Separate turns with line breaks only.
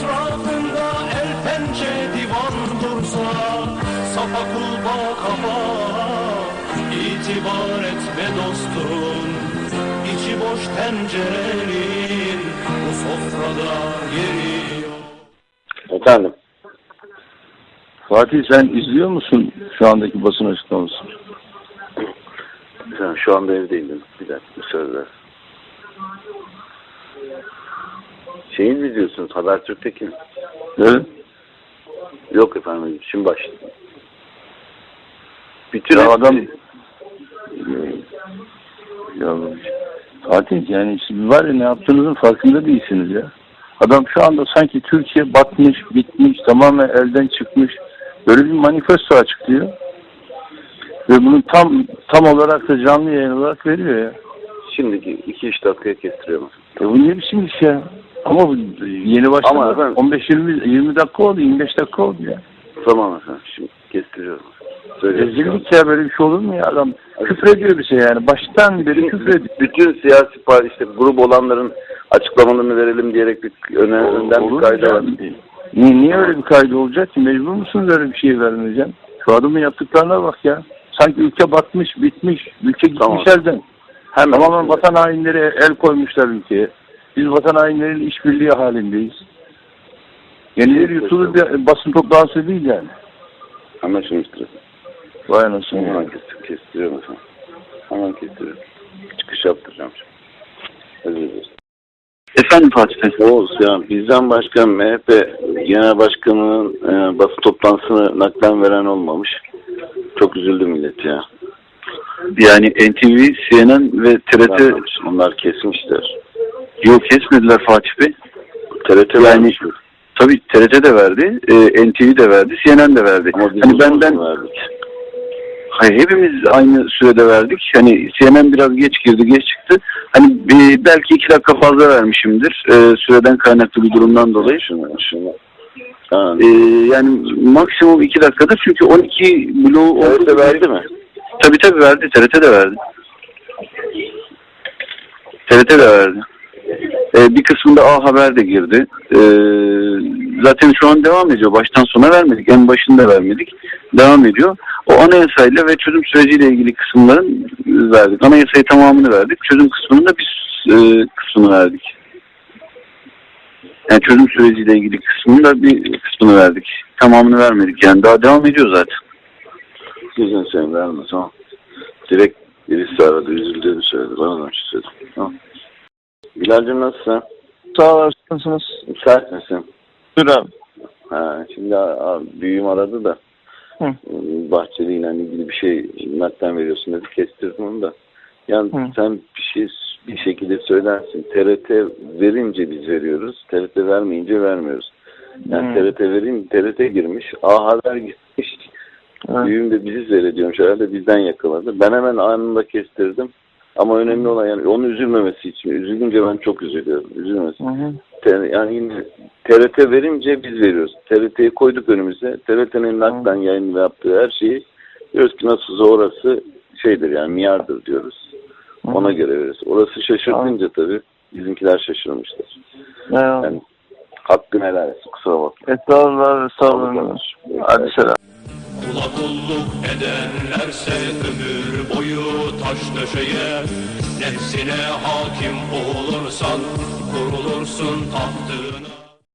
etrafında el pençe divan dursa, safa kulba kafa, itibar etme dostum. İçi boş tencerenin bu sofrada yeri yok.
Efendim?
Fatih, sen izliyor musun şu andaki basın açıklamasını?
Sen şu anda evdeydim. Bir dakika müsaade. Şeyi mi izliyorsunuz? Habertürk'teki mi?
Evet.
Yok efendim. Şimdi başladım. Bütün
Ya adam... Ya Fatih, yani siz var ya, ne yaptığınızın farkında değilsiniz ya. Adam şu anda sanki Türkiye batmış, bitmiş, tamamen elden çıkmış. Böyle bir manifesto açıklıyor. Ve bunu tam olarak da canlı yayın olarak veriyor ya.
Şimdiki 2-3 dakikaya kestiriyorum.
Bu ne biçim iş ya? Ama bu yeni başladı. 15-20 dakika oldu, 25 dakika oldu ya.
Tamam efendim. Şimdi kestiriyorum.
Rezillik ya, böyle bir şey olur mu ya? Adam küfrediyor bize yani. Baştan beri küfrediyor.
Bütün siyasi parti, işte grup olanların açıklamalarını verelim diyerek önden bir kaydı var.
Niye öyle bir kaydı olacak ki? Mecbur musunuz öyle bir şey vermeyeceğim? Şu adamın yaptıklarına bak ya. Sanki ülke batmış, bitmiş. Ülke gitmiş elden. Tamamen vatan hainleri el koymuşlar ülkeye. Biz vatan hainlerin işbirliği halindeyiz. Yenileri yutulur bir basın toplantısı değil yani.
Anlaşılmıştır.
Vay anasını.
Hemen kestiriyorum efendim. Hemen kestiriyorum. Çıkış yaptıracağım şimdi. Özür dilerim.
Efendim Fatih Bey.
Oğuz ya, bizden başka MHP Genel Başkanı'nın basın toplantısını naklen veren olmamış. Çok üzüldü millet ya.
Yani NTV, CNN ve TRT...
Onlar kesmişler.
Yok, kesmediler Fatih Bey.
TRT
yani
vermiş.
Tabii TRT de verdi, NTV de verdi, CNN de verdi.
Ama biz
hani benden
verdik.
Hayır, hepimiz aynı sürede verdik. Hani CNN biraz geç girdi, geç çıktı. Hani belki 2 dakika fazla vermişimdir. Süreden kaynaklı bir durumdan dolayı. Yani maksimum 2 dakikadır. Çünkü 12 bloğu oldu.
TRT verdi mi?
Tabii verdi. TRT de verdi. TRT de verdi. Bir kısmında A Haber de girdi. Zaten şu an devam ediyor. Baştan sona vermedik. En başında vermedik. Devam ediyor. O anayasayla ve çözüm süreciyle ilgili kısımların verdik. Anayasayı tamamını verdik. Çözüm kısmının da bir kısmını verdik. Yani çözüm süreciyle ilgili kısmının da bir kısmını verdik. Tamamını vermedik. Yani daha devam ediyor zaten.
Sizin sen vermez ama. Direkt birisi aradı. Üzüldüğünü söyledi. Bana da söyledi. Tamam. Bilal'cim nasılsın?
Sağ olasınız.
Müsait misin?
Dur abi.
Şimdi büyüğüm aradı da Bahçeli ile ilgili bir şey naklen veriyorsun dedi. Kestirdim onu da. Yani sen bir şekilde söylersin. TRT verince biz veriyoruz. TRT vermeyince vermiyoruz. Yani TRT girmiş. A Haber gitmiş. Büyüğüm de bizi seyrediyormuş. Herhalde bizden yakaladı. Ben hemen anında kestirdim. Ama önemli olan yani onun üzülmemesi için. Üzülünce ben çok üzülüyorum. Üzülmesi. Yani yine TRT verince biz veriyoruz. TRT'yi koyduk önümüze. TRT'nin naklen yayın yaptığı her şeyi diyoruz ki nasılsa orası şeydir yani miyardır diyoruz. Ona göre veriyoruz. Orası şaşırtınca tabii bizimkiler şaşırmışlar. Yani hakkını helal etsin. Kusura bakma.
Estağfurullah. Hadi selam.
Kula kulluk edenlerse ömür boyu taş döşeye, nefsine hakim olursan kurulursun tahtına.